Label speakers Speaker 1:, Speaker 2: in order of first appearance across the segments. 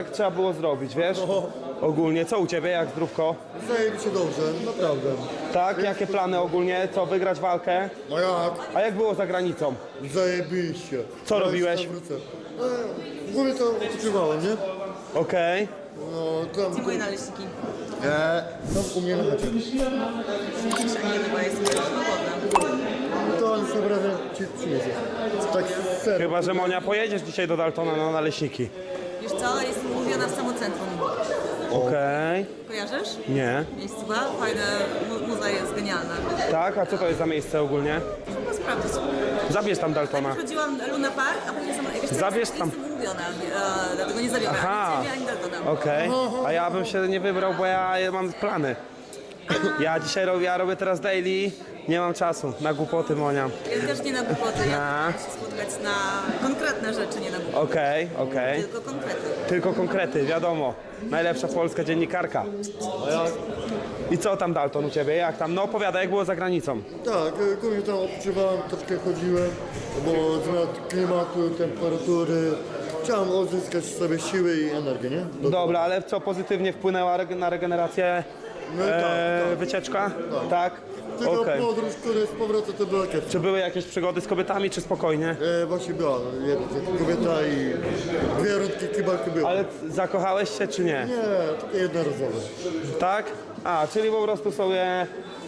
Speaker 1: Jak trzeba było zrobić, wiesz?
Speaker 2: No.
Speaker 1: Ogólnie, co u ciebie, jak zdrówko?
Speaker 2: Zajebiście dobrze, naprawdę.
Speaker 1: Tak, jakie plany ogólnie? Co, wygrać walkę?
Speaker 2: No jak?
Speaker 1: A jak było za granicą?
Speaker 2: Zajebiście.
Speaker 1: Co
Speaker 2: Ja
Speaker 1: robiłeś?
Speaker 2: jeszcze tam wrócę. W ogóle to odpoczywałem, nie?
Speaker 1: Okej.
Speaker 2: No tam...
Speaker 3: Gdzie moje naleśniki?
Speaker 2: Tam u mnie na chacie.
Speaker 3: Nie, no bo ja jestem swobodna.
Speaker 2: To on sobie razem ci przyniesie. Tak serio.
Speaker 1: Chyba, że Monia, pojedziesz dzisiaj do Daltona na naleśniki.
Speaker 3: Wiesz co, jestem umówiona w samocentrum.
Speaker 1: Okej.
Speaker 3: Kojarzysz?
Speaker 1: Nie.
Speaker 3: Miejscowa? Fajne, muza jest genialna.
Speaker 1: Tak? A co to jest za miejsce ogólnie?
Speaker 3: Trzeba sprawdzić.
Speaker 1: Zabierz tam Daltona.
Speaker 3: Chodziłam Luna Park, a później
Speaker 1: Zabierz tam.
Speaker 3: jestem umówiona, dlatego nie zabiorę
Speaker 1: Aha.
Speaker 3: ani Ciebie, ani Daltona.
Speaker 1: Okej. A ja bym się nie wybrał, bo ja mam plany. Ja dzisiaj robię teraz daily. Nie mam czasu na głupoty, Monia.
Speaker 3: Ja też nie na głupoty,
Speaker 1: A.
Speaker 3: ja chcę się spotkać na konkretne rzeczy, nie na głupoty.
Speaker 1: Okej.
Speaker 3: Tylko konkrety.
Speaker 1: Tylko konkrety, wiadomo. Najlepsza polska dziennikarka. I co tam, Dalton, u ciebie? Jak tam? No opowiadaj, jak było za granicą.
Speaker 2: Tak, głównie tam odpoczywałem, troszkę chodziłem, bo zmiana klimatu, temperatury. Chciałem odzyskać sobie siły i energię, nie?
Speaker 1: Dobra, ale co pozytywnie wpłynęła na regenerację?
Speaker 2: No tak.
Speaker 1: Wycieczka? Tak?
Speaker 2: Tylko
Speaker 1: Okej.
Speaker 2: podróż, który z powrotem to była kiepska.
Speaker 1: Czy były jakieś przygody z kobietami, czy spokojnie?
Speaker 2: Właśnie była jedna kobieta i dwie rundki kibarki były.
Speaker 1: Ale zakochałeś się, czy nie?
Speaker 2: Nie, takie jednorazowe.
Speaker 1: Tak? A, czyli po prostu sobie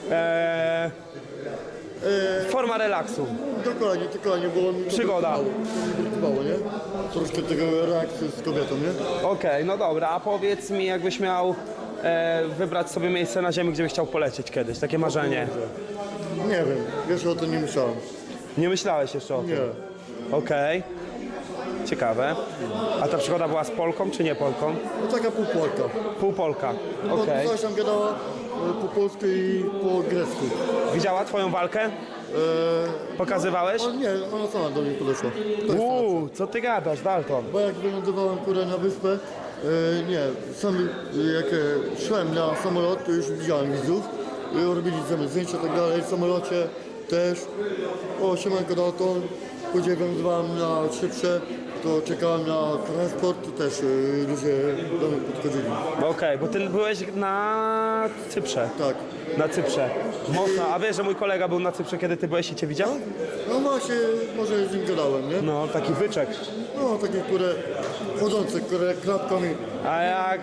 Speaker 1: forma relaksu.
Speaker 2: Dokładnie, było mi to
Speaker 1: Przygoda.
Speaker 2: brakowało, nie? Troszkę tego reakcji z kobietą, nie?
Speaker 1: Okej, no dobra, a powiedz mi, jakbyś miał wybrać sobie miejsce na ziemi, gdzie byś chciał polecieć kiedyś, takie marzenie.
Speaker 2: Nie wiem, jeszcze o tym nie myślałem.
Speaker 1: Nie myślałeś jeszcze o tym?
Speaker 2: Nie.
Speaker 1: Okej. Ciekawe. A ta przygoda była z Polką, czy nie Polką?
Speaker 2: No taka półpolka.
Speaker 1: Półpolka.
Speaker 2: Bo
Speaker 1: Okej.
Speaker 2: coś tam gadała po polsku i po grecku.
Speaker 1: Widziała twoją walkę? Pokazywałeś?
Speaker 2: O nie, ona sama do mnie podeszła. To jest
Speaker 1: Co ty gadasz, Dalton?
Speaker 2: Bo jak wylądowałem kurę na wyspę, nie, sam jak szłem na samolot, to już widziałem widzów, robili ze mną zdjęcia i tak dalej, w samolocie też. O, siemanko Dalton, później wylądowałem na szybsze, to czekałem na transport, to też ludzie do mnie podchodzili.
Speaker 1: Okej, bo ty byłeś na Cyprze.
Speaker 2: Tak.
Speaker 1: Na Cyprze. Mocno. A wiesz, że mój kolega był na Cyprze, kiedy ty byłeś i cię widział?
Speaker 2: No właśnie, może z nim gadałem, nie?
Speaker 1: No, taki wyczek.
Speaker 2: No, takie, które chodzące, które klatkami.
Speaker 1: A jak?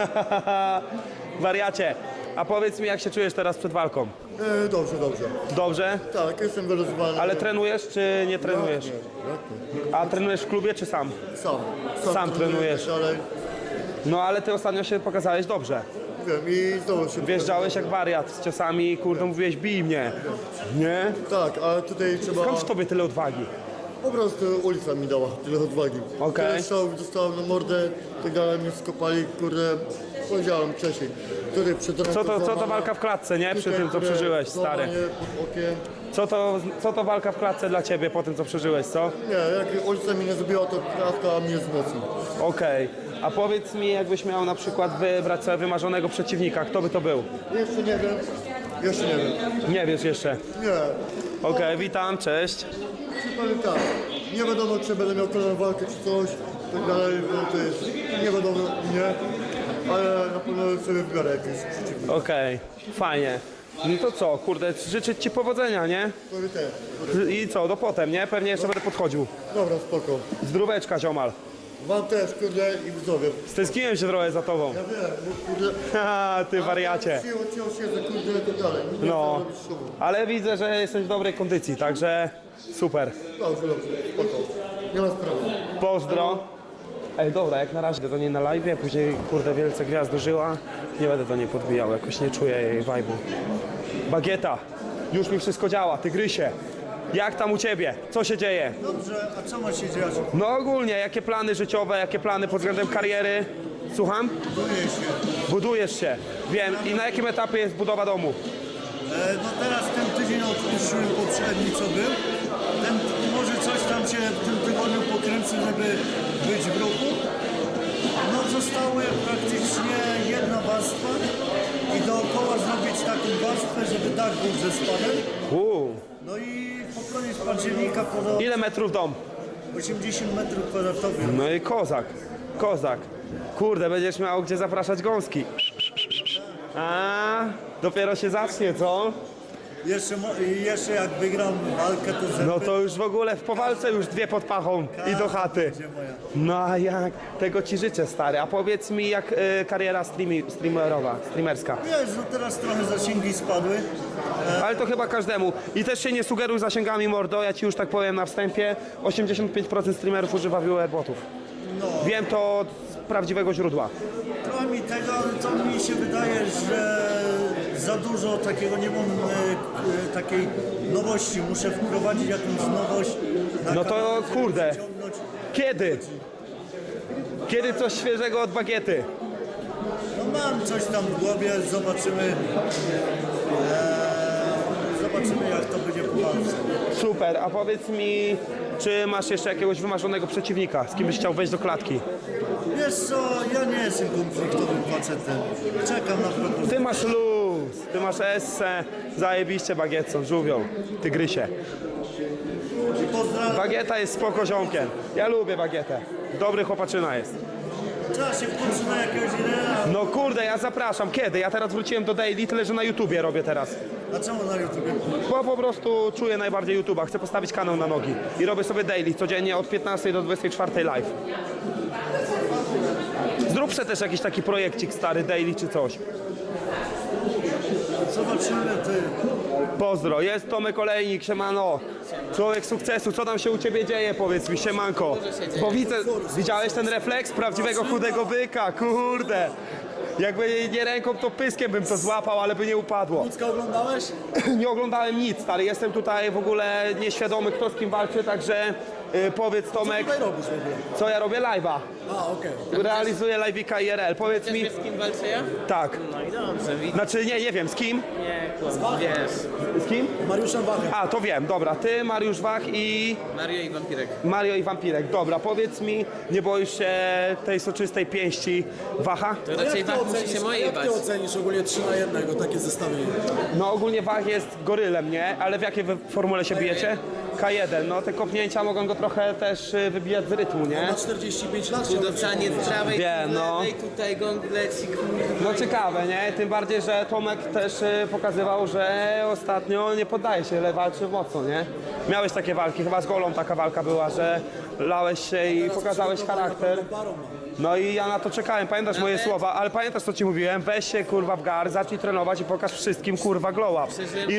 Speaker 1: Wariacie. A powiedz mi, jak się czujesz teraz przed walką?
Speaker 2: Dobrze.
Speaker 1: Dobrze?
Speaker 2: Tak, jestem wyluzowany.
Speaker 1: Ale trenujesz, czy nie trenujesz?
Speaker 2: Jak nie?
Speaker 1: A trenujesz w klubie, czy sam?
Speaker 2: Sam
Speaker 1: trenujesz.
Speaker 2: Ale
Speaker 1: No, ale ty ostatnio się pokazałeś dobrze.
Speaker 2: wiem i znowu się...
Speaker 1: Wjeżdżałeś jak wariat z ciosami, kurde, mówiłeś, bij mnie. Nie?
Speaker 2: Tak, ale tutaj trzeba...
Speaker 1: Skąd w tobie tyle odwagi?
Speaker 2: Po prostu ulica mi dała tyle odwagi.
Speaker 1: Okej.
Speaker 2: Tyle strzałów dostałem na mordę, tak dalej mnie skopali, kurde, powiedziałem wcześniej. Tutaj przed
Speaker 1: Co to walka w klatce, nie? Przy tym, co przeżyłeś, stary.
Speaker 2: Pod okiem.
Speaker 1: Co to walka w klatce dla ciebie po tym, co przeżyłeś, co?
Speaker 2: Nie, jak ulica mi nie zrobiła, to klatka mnie wzmocni.
Speaker 1: Okej. A powiedz mi, jakbyś miał na przykład wybrać sobie wymarzonego przeciwnika, kto by to był?
Speaker 2: Jeszcze nie wiem.
Speaker 1: Nie wiesz jeszcze.
Speaker 2: Nie.
Speaker 1: Okej, witam, cześć.
Speaker 2: Powiem tak, nie wiadomo czy będę miał kolejną walkę czy coś, tak dalej, bo to jest nie wiadomo, nie, ale na pewno sobie wybiorę jakieś przeciwnika.
Speaker 1: Okej, fajnie. No to co, kurde, życzyć ci powodzenia, nie?
Speaker 2: Powiem tak,
Speaker 1: I co, do potem, nie? Pewnie jeszcze będę podchodził.
Speaker 2: dobra, spoko.
Speaker 1: Zdróweczka, ziomal.
Speaker 2: Wam też, kurde, i widzowie.
Speaker 1: Stęskniłem się trochę za tobą.
Speaker 2: Ja wiem, bo kurde...
Speaker 1: Ha, ty wariacie.
Speaker 2: Ciął siedzę, kurde, i tak dalej. Nie
Speaker 1: No,
Speaker 2: chcę robić szumu.
Speaker 1: ale widzę, że jesteś w dobrej kondycji, także super.
Speaker 2: Dobrze, spoko. Nie ma sprawy.
Speaker 1: Pozdro. Ej, dobra, jak na razie do niej na live, później kurde wielce gwiazd dożyła. Nie będę do niej podbijał, jakoś nie czuję jej vibe'u. Bagieta, już mi wszystko działa, tygrysie. Jak tam u ciebie? Co się dzieje?
Speaker 4: Dobrze, a co ma się dziać?
Speaker 1: No ogólnie, jakie plany życiowe, jakie plany pod względem kariery? Słucham?
Speaker 4: Buduję się.
Speaker 1: Budujesz się, wiem. I na jakim etapie jest budowa domu?
Speaker 4: No teraz ten tydzień odpuściłem poprzedni, co był. Może coś tam się w tym tygodniu pokręcę, żeby być w ruchu. No zostały praktycznie jedna warstwa i dookoła zrobić taką warstwę, żeby dach był ze spadem. No i po koniec października
Speaker 1: Ile metrów dom?
Speaker 4: 80 metrów kwadratowych.
Speaker 1: No i kozak, kozak. Kurde, będziesz miał gdzie zapraszać gąski. A, dopiero się zacznie, co?
Speaker 4: Jeszcze jak wygram walkę, to zęby
Speaker 1: No to już w ogóle po walce już 2 pod pachą i do chaty.
Speaker 4: będzie moja.
Speaker 1: No a jak? Tego ci życzę, stary. A powiedz mi, jak kariera streamerska.
Speaker 4: Wiesz, no teraz trochę zasięgi spadły.
Speaker 1: Ale to chyba każdemu. I też się nie sugeruj zasięgami, mordo. Ja ci już tak powiem na wstępie. 85% streamerów używa viewerbotów.
Speaker 4: No,
Speaker 1: Wiem to od prawdziwego źródła.
Speaker 4: trochę mi tego, ale to mi się wydaje, że za dużo takiego nie mam takiej nowości. Muszę wprowadzić jakąś nowość. Na
Speaker 1: No to
Speaker 4: kanał, żeby
Speaker 1: kurde.
Speaker 4: przyciągnąć.
Speaker 1: Kiedy? Kiedy coś świeżego od bagiety?
Speaker 4: No mam coś tam w głowie, zobaczymy. Zobaczymy jak to będzie po walce.
Speaker 1: Super, a powiedz mi, czy masz jeszcze jakiegoś wymarzonego przeciwnika, z kim byś chciał wejść do klatki?
Speaker 4: Wiesz co, ja nie jestem konfliktowym facetem. Czekam na propozycję.
Speaker 1: Ty masz luz, ty masz esse, zajebiście bagietson, żółwią, tygrysie.
Speaker 4: Pozdrawiam.
Speaker 1: Bagieta jest spoko ziomkiem, ja lubię bagietę, dobry chłopaczyna jest.
Speaker 4: Trzeba się wkurzyć na jakiegoś idea.
Speaker 1: No kurde, ja zapraszam, kiedy? Ja teraz wróciłem do Daily, tyle że na YouTubie robię teraz.
Speaker 4: A czemu na YouTubie?
Speaker 1: Bo po prostu czuję najbardziej YouTube'a, chcę postawić kanał na nogi i robię sobie Daily, codziennie od 15 do 24 live. Zrób se też jakiś taki projekcik stary, Daily czy coś.
Speaker 4: Zobaczymy ty.
Speaker 1: Pozdro, jest Tomek Olejnik, siemano. Człowiek sukcesu, co tam się u ciebie dzieje, powiedz mi, siemanko. Bo widzę, widziałeś ten refleks prawdziwego chudego byka, kurde. Jakby nie ręką, to pyskiem bym to złapał, ale by nie upadło.
Speaker 5: Lucka oglądałeś?
Speaker 1: Nie oglądałem nic, stary, jestem tutaj w ogóle nieświadomy, kto z kim walczy, także powiedz Tomek,
Speaker 5: Co robisz w ogóle?
Speaker 1: co ja robię live'a.
Speaker 5: A, okej.
Speaker 1: Realizuję live'ika IRL, powiedz mi,
Speaker 6: Wiesz, z kim walczę ja?
Speaker 1: tak.
Speaker 6: No i dobrze, widzisz.
Speaker 1: Znaczy nie wiem, z kim?
Speaker 6: Nie, kłam, wiesz.
Speaker 1: Z kim?
Speaker 5: Mariuszem Wachem.
Speaker 1: A, to wiem, dobra, ty, Mariusz Wach i...
Speaker 6: Mario i Wampirek.
Speaker 1: Mario i Wampirek. Dobra, powiedz mi, nie boisz się tej soczystej pięści Wacha?
Speaker 6: To raczej Wach musi się mojej
Speaker 5: jak
Speaker 6: bać.
Speaker 5: ty ocenisz ogólnie 3 na 1 takie zestawienie?
Speaker 1: No ogólnie Wach jest gorylem, nie? Ale w jakiej wy formule się bijecie? K1, no te kopnięcia mogą go trochę też wybijać z rytmu, nie?
Speaker 5: Ma 45 lat, chciałbym
Speaker 6: Udowczanie z prawej,
Speaker 1: Wiem,
Speaker 6: z
Speaker 1: no.
Speaker 6: lewej, tutaj gong leci, kurwa.
Speaker 1: No ciekawe, nie? Tym bardziej, że Tomek też pokazywał, że ostatnio nie poddaje się, ale walczy mocno, nie? Miałeś takie walki, chyba z Golą taka walka była, że lałeś się i pokazałeś charakter. No i ja na to czekałem, pamiętasz moje słowa, ale pamiętasz co ci mówiłem? Weź się kurwa w gar, zacznij trenować i pokaż wszystkim kurwa glow up.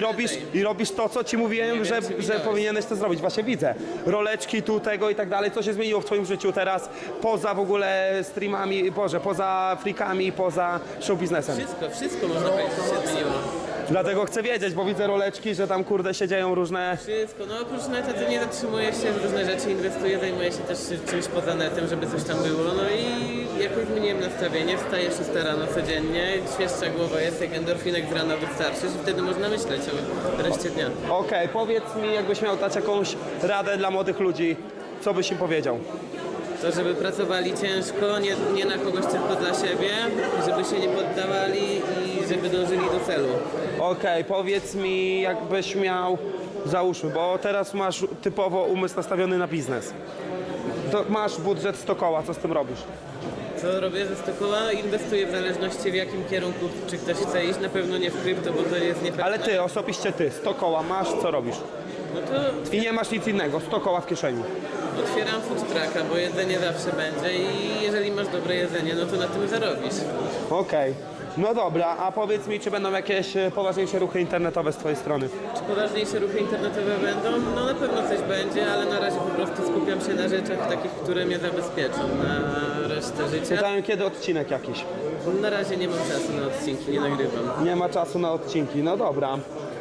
Speaker 1: I robisz to, co ci mówiłem, że powinieneś to zrobić. Właśnie widzę. Roleczki tu, tego i tak dalej. Co się zmieniło w twoim życiu teraz poza w ogóle streamami, Boże, poza freakami, poza show biznesem?
Speaker 6: Wszystko można powiedzieć, że się zmieniło.
Speaker 1: Dlatego chcę wiedzieć, bo widzę roleczki, że tam kurde się dzieją różne...
Speaker 6: Wszystko, no oprócz neta to nie zatrzymuję się w różne rzeczy, inwestuję, zajmuję się też czymś poza netem, żeby coś tam było, no i jakoś zmieniłem nastawienie, wstaję 6 rano codziennie, świeższa głowa jest, jak endorfinek z rana wystarczy, że wtedy można myśleć o reszcie dnia.
Speaker 1: Okej, powiedz mi, jakbyś miał dać jakąś radę dla młodych ludzi, co byś im powiedział?
Speaker 6: To, żeby pracowali ciężko, nie na kogoś tylko dla siebie, żeby się nie poddawali i żeby dążyli do celu.
Speaker 1: Okej, powiedz mi, jakbyś miał, załóżmy, bo teraz masz typowo umysł nastawiony na biznes. To masz budżet 100 koła, co z tym robisz?
Speaker 6: Co robię ze 100 koła? Inwestuję w zależności w jakim kierunku, czy ktoś chce iść, na pewno nie w krypto, bo to jest niepewne.
Speaker 1: Ale ty, osobiście ty, 100 koła masz, co robisz?
Speaker 6: No to
Speaker 1: I nie masz nic innego, 100 koła w kieszeni.
Speaker 6: otwieram food trucka, bo jedzenie zawsze będzie i jeżeli masz dobre jedzenie, no to na tym zarobisz.
Speaker 1: Okej, no dobra, a powiedz mi, czy będą jakieś poważniejsze ruchy internetowe z twojej strony?
Speaker 6: Czy poważniejsze ruchy internetowe będą? No na pewno coś będzie, ale na razie po prostu skupiam się na rzeczach takich, które mnie zabezpieczą na resztę życia.
Speaker 1: Pytałem, kiedy odcinek jakiś?
Speaker 6: Na razie nie mam czasu na odcinki, nie nagrywam.
Speaker 1: Nie ma czasu na odcinki, no dobra.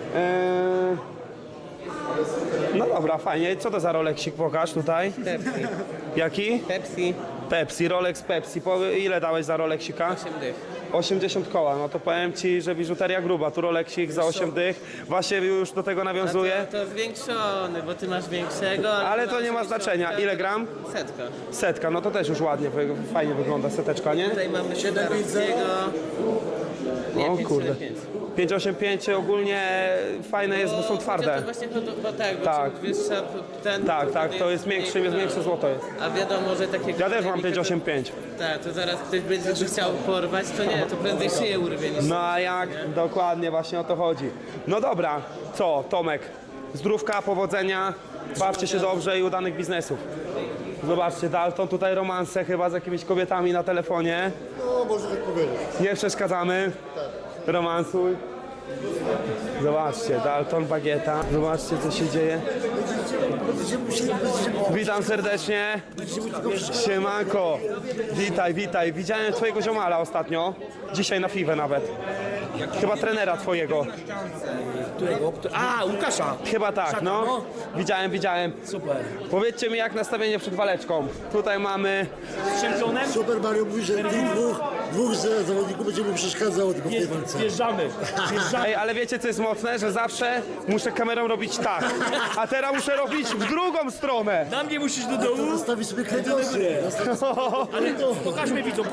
Speaker 1: No dobra, fajnie. Co to za Rolexik pokaż tutaj?
Speaker 6: Pepsi.
Speaker 1: Jaki?
Speaker 6: Pepsi.
Speaker 1: Pepsi, Rolex Pepsi. Ile dałeś za Rolexika?
Speaker 6: 8 dych.
Speaker 1: 80 koła. No to powiem ci, że biżuteria gruba. Tu Rolexik za 8 dych. Właśnie już do tego nawiązuje.
Speaker 6: To zwiększony, bo ty masz większego.
Speaker 1: Ale
Speaker 6: ty
Speaker 1: to
Speaker 6: masz
Speaker 1: nie ma znaczenia. Ile gram?
Speaker 6: Setka.
Speaker 1: Setka. No to też już ładnie, fajnie wygląda seteczka, nie?
Speaker 6: Tutaj mamy
Speaker 5: 750.
Speaker 6: Nie,
Speaker 1: O
Speaker 6: 5,
Speaker 1: kurde.
Speaker 6: 5.
Speaker 1: 585 ogólnie fajne jest, bo są
Speaker 6: To
Speaker 1: twarde.
Speaker 6: właśnie chodzi, bo tak, bo
Speaker 1: Tak.
Speaker 6: czym wyższa ten...
Speaker 1: Tak, to jest większe złoto jest.
Speaker 6: A wiadomo, że takie...
Speaker 1: Ja też mam 585.
Speaker 6: Tak, to zaraz ktoś będzie go chciał porwać, to nie, to prędzej szyję urwie niż...
Speaker 1: No a jak? Dokładnie, właśnie o to chodzi. No dobra, co Tomek? Zdrówka, powodzenia, bawcie się dobrze i udanych biznesów. Zobaczcie, Dalton, tutaj romanse chyba z jakimiś kobietami na telefonie.
Speaker 2: No, można tak powiedzieć.
Speaker 1: Nie przeszkadzamy. Romansuj. Zobaczcie, Dalton, Bagieta. Zobaczcie, co się dzieje. Witam serdecznie. Siemanko. Witaj. Widziałem twojego ziomala ostatnio. Dzisiaj na FIWE nawet. Chyba trenera twojego.
Speaker 5: A, Łukasza!
Speaker 1: Chyba tak, no. Widziałem.
Speaker 5: Super.
Speaker 1: Powiedzcie mi, jak nastawienie przed waleczką. Tutaj mamy...
Speaker 5: Z czempionem?
Speaker 2: Super Mario mówi, że tych dwóch zawodników będzie mu przeszkadzało tylko w tej walce.
Speaker 5: Wjeżdżamy.
Speaker 1: Ej, ale wiecie, co jest mocne? Że zawsze muszę kamerą robić tak. A teraz muszę robić w drugą stronę.
Speaker 5: Na mnie musisz do dołu.
Speaker 2: Nastawi sobie kręgosłup.
Speaker 5: Ale to pokażmy widzom.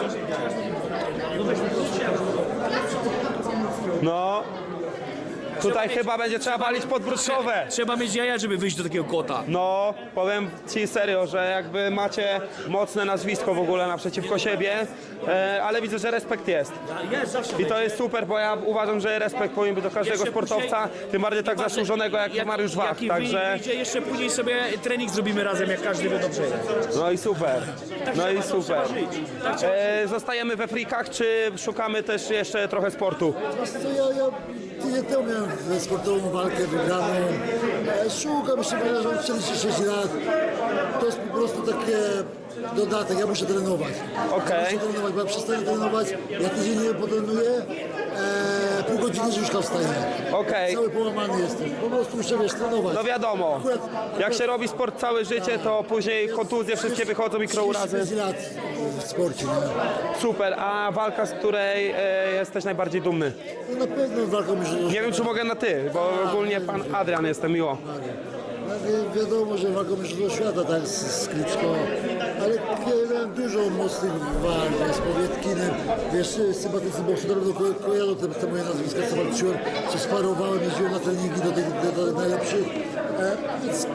Speaker 1: No. Tutaj chyba będzie trzeba walić podbródkowe.
Speaker 5: Trzeba mieć jaja, żeby wyjść do takiego kota.
Speaker 1: No, powiem ci serio, że jakby macie mocne nazwisko w ogóle naprzeciwko siebie, ale widzę, że respekt jest.
Speaker 5: Jest zawsze.
Speaker 1: I to jest super, bo ja uważam, że respekt powinien być do każdego
Speaker 5: Jeszcze
Speaker 1: sportowca, tym bardziej tak zasłużonego jak Mariusz Wach,
Speaker 5: Jaki
Speaker 1: także...
Speaker 5: wyjdzie, jeszcze później sobie trening zrobimy razem, jak każdy wie dobrze.
Speaker 1: No i super,
Speaker 5: Trzeba żyć. Tak trzeba
Speaker 1: Zostajemy we frikach, czy szukamy też jeszcze trochę sportu?
Speaker 2: Ja tydzień temu miałem sportową walkę wygraną. Szukam jeszcze, że mam 46 lat. To jest po prostu takie dodatek, ja muszę trenować.
Speaker 1: Okej.
Speaker 2: Muszę trenować, bo ja przestanę trenować, ja tydzień nie potrenuję, pół godziny z łóżka wstaję.
Speaker 1: Okej.
Speaker 2: Cały połamany jestem, po prostu muszę, wiesz, trenować.
Speaker 1: No wiadomo, jak się robi sport całe życie, to później kontuzje wszystkie wychodzą, mikrourazy.
Speaker 2: 35 lat w sporcie, nie?
Speaker 1: Super, a walka, z której jesteś najbardziej dumny?
Speaker 2: No na pewno walką już...
Speaker 1: Nie wiem, czy mogę na ty, bo ogólnie pan Adrian jestem miło.
Speaker 2: Wiadomo, że walką już do świata, tak, z Kliczko, ale ja miałem dużo mocnych walk, z Powietkinem, wiesz, sympatycy bokserów kojarzą te moje nazwiska, co walczyłem, co sparowałem, jeździłem na treningi do najlepszych, więc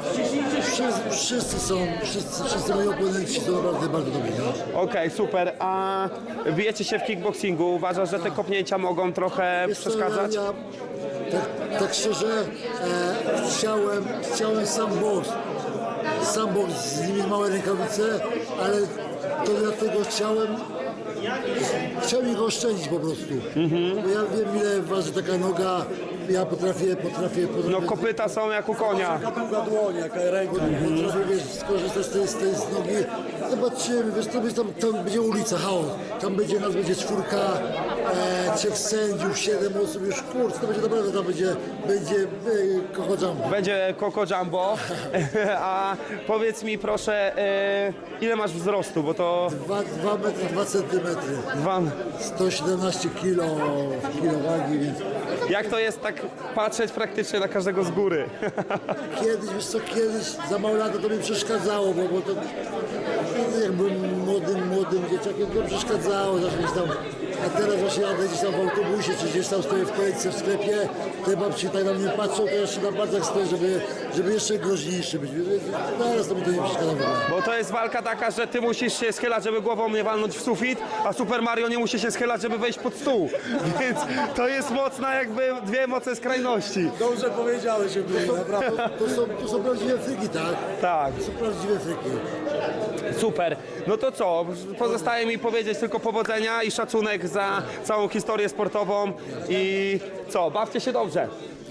Speaker 2: wszyscy moi oponenci są naprawdę bardzo dobrzy. No?
Speaker 1: Okej, super, a bijecie się w kickboxingu, uważasz, że te kopnięcia mogą trochę
Speaker 2: Wiesz co,
Speaker 1: przeszkadzać?
Speaker 2: ja tak szczerze, chciałem sam boks, z nimi małe rękawice, ale to dlatego chciałem ich oszczędzić po prostu. Bo ja wiem, ile waży taka noga, ja potrafię
Speaker 1: No kopyta są jak u konia.
Speaker 2: długa dłoń, jaka ręka. Potrafię, wiesz, skorzystać z tej nogi. Zobaczymy, wiesz, tam będzie ulica, chaos. Tam będzie 4, 3 sędziów, 7 osób, już kurczę, to będzie naprawdę, tam będzie Coco Jumbo.
Speaker 1: Będzie Coco Jumbo, a powiedz mi proszę, ile masz wzrostu, bo to
Speaker 2: 2 metry, 2 centymetry. 117 kilo wagi, więc
Speaker 1: jak to jest tak patrzeć praktycznie na każdego z góry?
Speaker 2: kiedyś, wiesz co, za mało lata to mi przeszkadzało, bo to jak byłem młodym dzieciakiem, to przeszkadzało, zawsze gdzieś tam, a teraz właśnie jadę gdzieś tam w autobusie, czy gdzieś tam stoję w kolejce w sklepie, te babci tak na mnie patrzą, to ja się na palcach stoję, żeby jeszcze groźniejszy być. Teraz to mi to nie przeszkadza w ogóle.
Speaker 1: Bo to jest walka taka, że ty musisz się schylać, żeby głową nie walnąć w sufit, a Super Mario nie musi się schylać, żeby wejść pod stół. Więc to jest mocna jakby dwie mocne skrajności.
Speaker 5: Dobrze powiedziałeś, żeby naprawdę.
Speaker 2: To są prawdziwe fryki, tak?
Speaker 1: Tak,
Speaker 2: To są prawdziwe fryki.
Speaker 1: super. No to co? Pozostaje mi powiedzieć tylko powodzenia i szacunek za całą historię sportową i co? Bawcie się dobrze.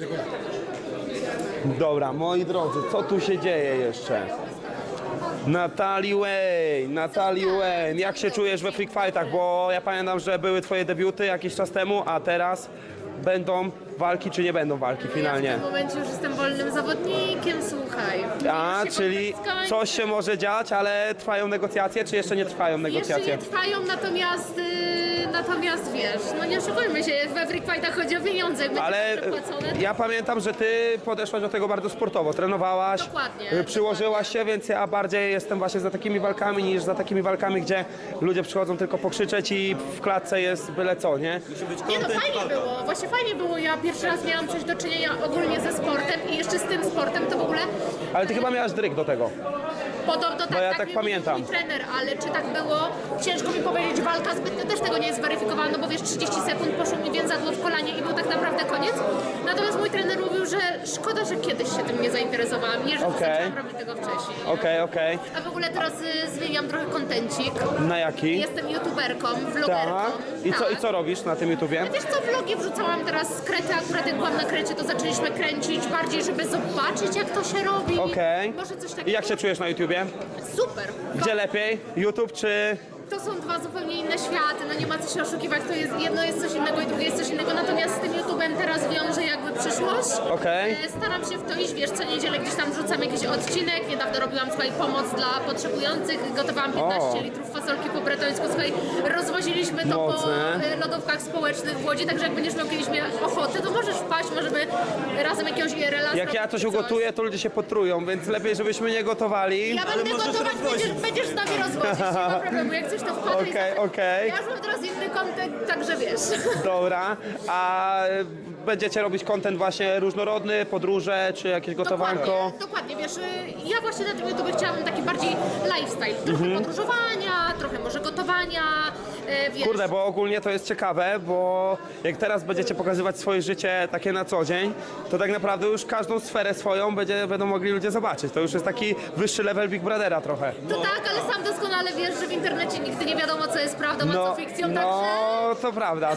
Speaker 1: Dobra, moi drodzy, co tu się dzieje jeszcze? Natalie Wayne, jak się czujesz we freak fightach? Bo ja pamiętam, że były twoje debiuty jakiś czas temu, a teraz będą walki, czy nie będą walki finalnie?
Speaker 7: W tym momencie już jestem wolnym zawodnikiem, słuchaj.
Speaker 1: A,
Speaker 7: Już się
Speaker 1: czyli
Speaker 7: konflikt skończy.
Speaker 1: coś się może dziać, ale trwają negocjacje, czy jeszcze nie trwają
Speaker 7: Jeszcze
Speaker 1: negocjacje?
Speaker 7: nie trwają, natomiast wiesz, no nie oszukujmy się, we freak fightach chodzi o pieniądze, jak
Speaker 1: Ale
Speaker 7: będzie przepłacone.
Speaker 1: ja pamiętam, że ty podeszłaś do tego bardzo sportowo, trenowałaś,
Speaker 7: Dokładnie,
Speaker 1: przyłożyłaś się, więc ja bardziej jestem właśnie za takimi walkami niż za takimi walkami, gdzie ludzie przychodzą tylko pokrzyczeć i w klatce jest byle co, nie?
Speaker 7: Nie no, fajnie było, właśnie fajnie było. Ja pierwszy raz miałam coś do czynienia ogólnie ze sportem i jeszcze z tym sportem to w ogóle
Speaker 1: Ale ty chyba miałaś dryg do tego.
Speaker 7: podobno tak,
Speaker 1: Bo ja tak
Speaker 7: mi
Speaker 1: pamiętam.
Speaker 7: mówił mój trener, ale czy tak było? Ciężko mi powiedzieć, walka zbytnio też tego nie jest zweryfikowana, no bo wiesz, 30 sekund poszło mi więzadło w kolanie i był tak naprawdę koniec. Natomiast mój trener mówił, że szkoda, że kiedyś się tym nie zainteresowałam, nie, że
Speaker 1: Okej.
Speaker 7: zaczęłam robić tego wcześniej. nie?
Speaker 1: Okej.
Speaker 7: A w ogóle teraz zmieniam trochę kontencik.
Speaker 1: Na jaki?
Speaker 7: Jestem youtuberką, vlogerką.
Speaker 1: Tak. I
Speaker 7: tak.
Speaker 1: co robisz na tym YouTubie?
Speaker 7: Wiesz co, vlogi wrzucałam teraz z Krety, akurat jak byłam na Krecie, to zaczęliśmy kręcić bardziej, żeby zobaczyć jak to się robi.
Speaker 1: Okej.
Speaker 7: Może coś takiego.
Speaker 1: I jak się czujesz na YouTubie?
Speaker 7: Super.
Speaker 1: Gdzie lepiej? YouTube czy...
Speaker 7: To są dwa zupełnie inne światy, no nie ma co się oszukiwać, to jest jedno jest coś innego i drugie jest coś innego, natomiast z tym YouTubem teraz wiąże jakby przyszłość.
Speaker 1: Okej.
Speaker 7: Staram się w to iść, wiesz, co niedzielę gdzieś tam wrzucam jakiś odcinek, niedawno robiłam, słuchaj, pomoc dla potrzebujących, gotowałam 15 litrów fasolki po bretońsku, słuchaj, rozwoziliśmy to
Speaker 1: Mocne.
Speaker 7: po lodówkach społecznych w Łodzi, także jak będziesz miał kiedyś ochotę, to możesz wpaść, możemy razem jakiegoś IRL-a
Speaker 1: Jak ja coś ugotuję, to ludzie się potrują, więc lepiej, żebyśmy nie gotowali.
Speaker 7: Ja będę gotować, będziesz z nami rozwodzić, nie ma problemu, jak coś to wpadaj.
Speaker 1: Okej.
Speaker 7: Ja już mam teraz inny kontent, także wiesz.
Speaker 1: Dobra. A będziecie robić content właśnie różnorodny, podróże, czy jakieś gotowanko?
Speaker 7: Dokładnie, wiesz, ja właśnie na tym YouTube chciałabym taki bardziej lifestyle, trochę podróżowania, trochę może gotowania, wiesz.
Speaker 1: Kurde, bo ogólnie to jest ciekawe, bo jak teraz będziecie pokazywać swoje życie takie na co dzień, to tak naprawdę już każdą sferę swoją będą mogli ludzie zobaczyć. To już jest taki wyższy level Big Brothera trochę.
Speaker 7: To tak, ale sam doskonale wiesz, że w internecie nigdy nie wiadomo, co jest prawdą, a co fikcją, także...
Speaker 1: No, to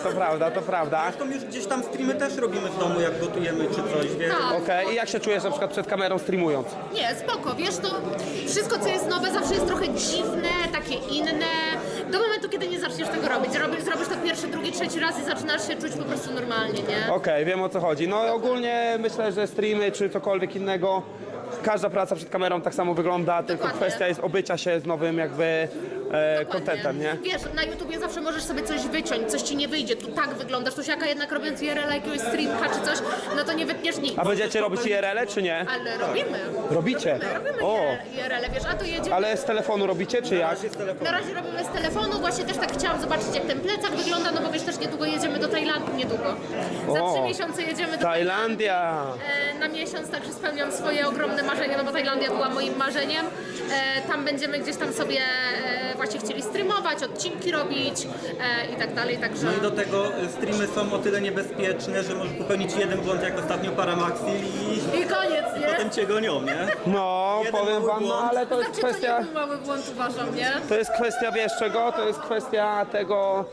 Speaker 1: prawda.
Speaker 8: Zresztą już gdzieś tam streamy też robimy w domu, jak gotujemy czy coś, więc...
Speaker 7: Tak.
Speaker 1: Okej, i jak się czujesz na przykład przed kamerą streamując?
Speaker 7: Nie, spoko, wiesz, to wszystko, co jest nowe, zawsze jest trochę dziwne, takie inne. Do momentu, kiedy nie zaczniesz tego robić. Zrobisz to pierwszy, drugi, trzeci raz i zaczynasz się czuć po prostu normalnie, nie?
Speaker 1: Okej, wiem o co chodzi. No ogólnie myślę, że streamy czy cokolwiek innego, każda praca przed kamerą tak samo wygląda, tylko
Speaker 7: Dokładnie.
Speaker 1: kwestia jest obycia się z nowym jakby contentem, nie?
Speaker 7: Wiesz, na YouTubie zawsze możesz sobie coś wyciąć, coś ci nie wyjdzie, tu tak wyglądasz, to siaka jednak robiąc IRL jakiegoś streamka czy coś, no to nie wytniesz nic.
Speaker 1: A będziecie robić IRL-e czy nie?
Speaker 7: Ale robimy.
Speaker 1: Robicie?
Speaker 7: Robimy
Speaker 1: O,
Speaker 7: IRL, wiesz, a to jedziemy.
Speaker 1: ale z telefonu robicie czy jak?
Speaker 7: Na razie robimy z telefonu, właśnie też tak chciałam zobaczyć jak ten plecak wygląda, no bo wiesz, też niedługo jedziemy do Tajlandii, niedługo. Za
Speaker 1: O,
Speaker 7: 3 miesiące jedziemy do
Speaker 1: Tajlandia!
Speaker 7: na miesiąc, także spełniam swoje ogromne marzenia, no bo Tajlandia była moim marzeniem. Tam będziemy gdzieś tam sobie właśnie chcieli streamować, odcinki robić i tak dalej, także...
Speaker 8: No i do tego streamy są o tyle niebezpieczne, że możesz popełnić jeden błąd jak ostatnio Paramaxil
Speaker 7: I koniec, nie?
Speaker 8: potem cię gonią, nie?
Speaker 1: No,
Speaker 8: Jeden
Speaker 1: powiem
Speaker 8: mały
Speaker 1: wam, no
Speaker 8: błąd.
Speaker 1: ale to jest
Speaker 7: Znaczy, to
Speaker 1: kwestia...
Speaker 7: nie był mały błąd, uważam, nie?
Speaker 1: To jest kwestia, wiesz czego? To jest kwestia tego,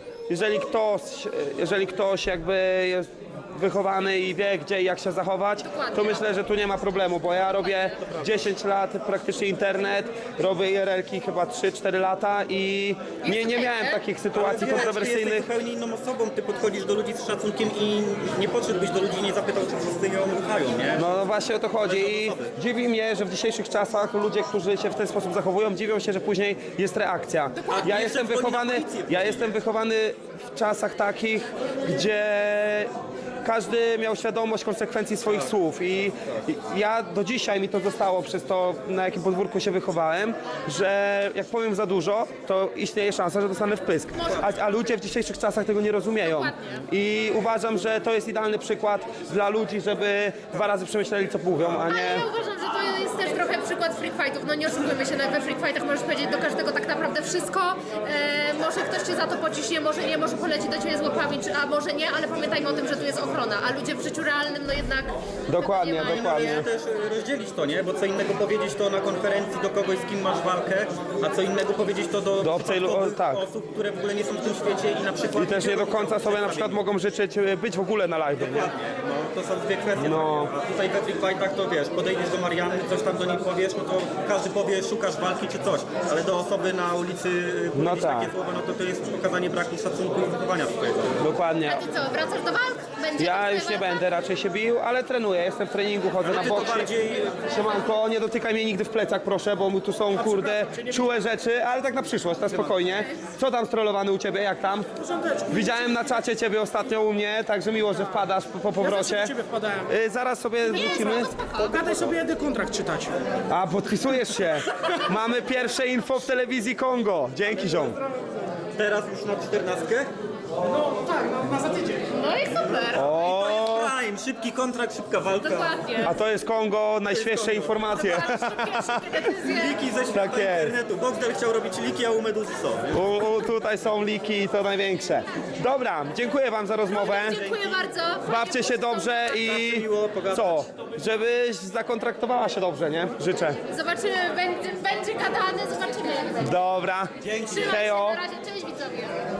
Speaker 1: jeżeli ktoś jakby jest wychowany i wie gdzie i jak się zachować,
Speaker 7: Dokładnie.
Speaker 1: to myślę, że tu nie ma problemu, bo ja robię 10 lat praktycznie internet, robię IRL-ki chyba 3-4 lata i nie miałem takich sytuacji
Speaker 8: Ty jesteś
Speaker 1: kontrowersyjnych.
Speaker 8: zupełnie inną osobą, ty podchodzisz do ludzi z szacunkiem i nie podszedłbyś do ludzi i nie zapytał, czy wszyscy ją ruchają, nie?
Speaker 1: No właśnie o to chodzi i dziwi mnie, że w dzisiejszych czasach ludzie, którzy się w ten sposób zachowują, dziwią się, że później jest reakcja. Ja
Speaker 8: jeszcze
Speaker 1: jestem
Speaker 8: dzwoni na
Speaker 1: wychowany,
Speaker 8: policję.
Speaker 1: ja jestem wychowany w czasach takich, gdzie każdy miał świadomość konsekwencji swoich słów i ja do dzisiaj mi to zostało przez to, na jakim podwórku się wychowałem, że jak powiem za dużo, to istnieje szansa, że dostanę wpysk. A ludzie w dzisiejszych czasach tego nie rozumieją.
Speaker 7: Dokładnie.
Speaker 1: I uważam, że to jest idealny przykład dla ludzi, żeby 2 razy przemyśleli, co mówią, a
Speaker 7: Ale
Speaker 1: nie...
Speaker 7: ja uważam, że to jest też trochę przykład freak fightów. No nie oszukujmy się, we freak fightach możesz powiedzieć do każdego tak naprawdę wszystko. Może ktoś cię za to pociśnie, może nie, może poleci do ciebie z łapami, a może nie, ale pamiętajmy o tym, że tu jest ochrona, a ludzie w życiu realnym no jednak...
Speaker 1: Dokładnie,
Speaker 7: tego nie mają.
Speaker 1: dokładnie.
Speaker 8: Należy też rozdzielić to, nie? Bo co innego powiedzieć to na konferencji do kogoś, z kim masz walkę, a co innego powiedzieć to do
Speaker 1: obcej
Speaker 8: przypadkowych
Speaker 1: tak.
Speaker 8: osób, które w ogóle nie są w tym świecie i na przykład...
Speaker 1: I też nie do końca sobie na przykład mogą życzyć być w ogóle na live, nie?
Speaker 8: Dokładnie, no to są dwie kwestie.
Speaker 1: No.
Speaker 8: takie. A tutaj we Freak Fightach to wiesz, podejdziesz do Marianny, coś tam do niej powiesz, no to każdy powie, szukasz walki czy coś, ale do osoby na ulicy
Speaker 1: No
Speaker 8: powiedzieć
Speaker 1: tak.
Speaker 8: takie słowa, no to jest pokazanie braku szacunku i wychowania swojego.
Speaker 1: Dokładnie.
Speaker 7: A ty co, wracasz do walk? Będzie
Speaker 1: Ja
Speaker 7: twoja
Speaker 1: już nie
Speaker 7: walka?
Speaker 1: będę raczej się bił, ale trenuję, jestem w treningu, chodzę na
Speaker 8: Ty to
Speaker 1: boksy.
Speaker 8: bardziej...
Speaker 1: Siemanko, nie dotykaj mnie nigdy w plecach, proszę, bo tu są, kurde, czułe rzeczy, ale tak na przyszłość, na spokojnie. Co tam strollowany u ciebie, jak tam? Widziałem na czacie ciebie ostatnio u mnie, także miło, że wpadasz po powrocie.
Speaker 5: Ja do ciebie wpadałem.
Speaker 1: Zaraz sobie wrócimy.
Speaker 5: Gadaj sobie, jedę kontrakt czytać.
Speaker 1: A, podpisujesz się. Mamy pierwsze info w telewizji Kongo. Dzięki, ziom.
Speaker 8: teraz już na 14?
Speaker 5: No tak, na za tydzień.
Speaker 7: No i super.
Speaker 8: To jest prime, szybki kontrakt, szybka walka.
Speaker 7: Dokładnie.
Speaker 1: A to jest Kongo, najświeższe informacje.
Speaker 7: Szybkie decyzje.
Speaker 8: Liki ze świata
Speaker 1: Tak jest.
Speaker 8: internetu. Boxdel chciał robić liki, a u Meduzy są.
Speaker 1: Tutaj są liki, to największe. Dobra, dziękuję wam za rozmowę.
Speaker 7: Dziękuję bardzo.
Speaker 1: Bawcie się dobrze i
Speaker 8: miło pogadać.
Speaker 1: co? Żebyś zakontraktowała się dobrze, nie? Życzę.
Speaker 7: Zobaczymy, będzie gadane, zobaczymy jak będzie.
Speaker 1: Dobra.
Speaker 7: Trzymaj się,
Speaker 1: Hejo.
Speaker 7: na razie, cześć widzowie.